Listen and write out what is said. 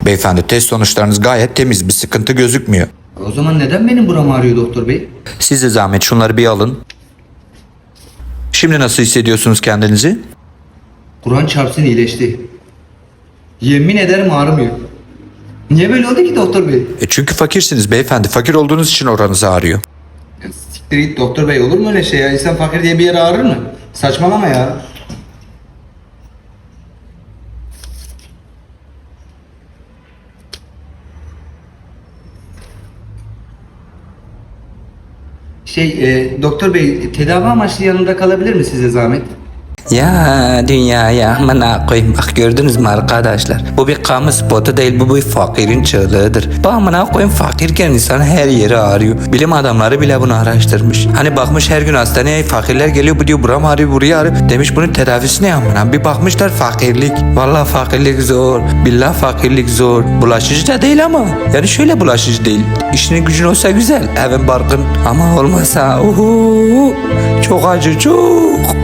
beyefendi. Test sonuçlarınız gayet temiz. Bir sıkıntı gözükmüyor. O zaman neden benim buram ağrıyor doktor bey? Size zahmet şunları bir alın. Şimdi nasıl hissediyorsunuz kendinizi? Kur'an çarpsın iyileşti. Yemin ederim ağrımıyor. Niye böyle oldu ki doktor bey? Çünkü fakirsiniz beyefendi. Fakir olduğunuz için oranız ağrıyor. Ya siktir git doktor bey, olur mu öyle şey ya? İnsan fakir diye bir yere ağrır mı? Saçmalama ya. Doktor bey, tedavi amaçlı yanımda kalabilir mi size zahmet? Ya dünyaya amına koyayım, bak gördünüz mü arkadaşlar, bu bir kamu spotu değil, bu bir fakirin çığlığıdır. Bu amına koyayım, fakirken insan her yeri ağrıyor. Bilim adamları bile bunu araştırmış. Hani bakmış her gün hastaneye fakirler geliyor, bu diyor buram ağrıyor, buraya ağrıyor. Demiş bunun tedavisi ne amına? Bir bakmışlar fakirlik. Vallahi fakirlik zor. Billah fakirlik zor. Bulaşıcı da değil ama. Yani şöyle bulaşıcı değil. İşinin gücün olsa güzel, evin barkın, ama olmasa çok acı çok.